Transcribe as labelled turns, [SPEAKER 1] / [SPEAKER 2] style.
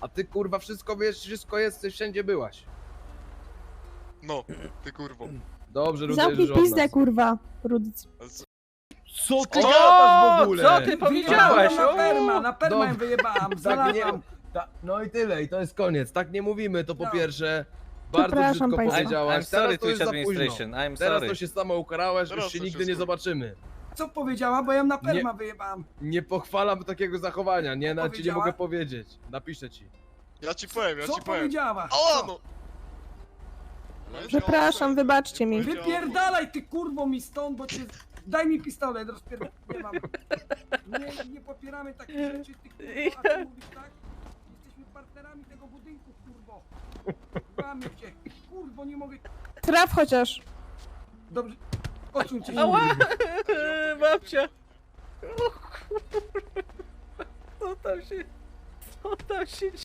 [SPEAKER 1] A ty kurwa wszystko wiesz, wszystko jesteś, wszędzie byłaś.
[SPEAKER 2] No, ty kurwo.
[SPEAKER 1] Dobrze, Rudy,
[SPEAKER 3] Zamknij
[SPEAKER 1] już od
[SPEAKER 3] pizdę,
[SPEAKER 1] nas.
[SPEAKER 3] kurwa. Rudyc.
[SPEAKER 2] Ale co-
[SPEAKER 1] Co ty
[SPEAKER 2] O,
[SPEAKER 1] gadasz w ogóle?
[SPEAKER 4] Co ty powiedziałeś?
[SPEAKER 5] Na perma
[SPEAKER 1] Dobra.
[SPEAKER 5] wyjebałam,
[SPEAKER 1] Tak nie,
[SPEAKER 5] znalazłam.
[SPEAKER 1] no i tyle, i to jest koniec. Tak nie mówimy, to po pierwsze. Bardzo
[SPEAKER 3] Przepraszam
[SPEAKER 1] brzydko
[SPEAKER 3] państwa.
[SPEAKER 1] powiedziałaś.
[SPEAKER 4] I'm
[SPEAKER 1] Teraz
[SPEAKER 4] sorry,
[SPEAKER 1] to już
[SPEAKER 4] Twitch
[SPEAKER 1] za późno.
[SPEAKER 4] administration, I'm
[SPEAKER 1] Teraz
[SPEAKER 4] sorry.
[SPEAKER 1] to się sama ukarałaś,
[SPEAKER 2] Teraz
[SPEAKER 1] już się
[SPEAKER 2] to
[SPEAKER 1] nigdy
[SPEAKER 2] się
[SPEAKER 1] nie
[SPEAKER 2] skurczy.
[SPEAKER 1] zobaczymy.
[SPEAKER 5] Co powiedziała, bo ja na perma wyjebałam.
[SPEAKER 1] Nie pochwalam takiego zachowania, nie? Nawet ci nie
[SPEAKER 5] powiedziała?
[SPEAKER 1] mogę powiedzieć. Napiszę ci.
[SPEAKER 2] Ja ci powiem,
[SPEAKER 5] Co powiedziała?
[SPEAKER 2] O, no!
[SPEAKER 3] Przepraszam, wybaczcie mi.
[SPEAKER 5] Wypierdalaj ty kurwo mi stąd, bo cię... Daj mi pistolet, rozpierdolę. Nie mam. Nie popieramy takich rzeczy, ty kurwo, a ty mówisz tak? Jesteśmy partnerami tego budynku, kurwo. Mamy cię. Kurwo, nie mogę...
[SPEAKER 3] Traf chociaż.
[SPEAKER 5] Dobrze. Odsuń się.
[SPEAKER 4] Ała! Babcia! O kurwa! Co tam się... Co tam się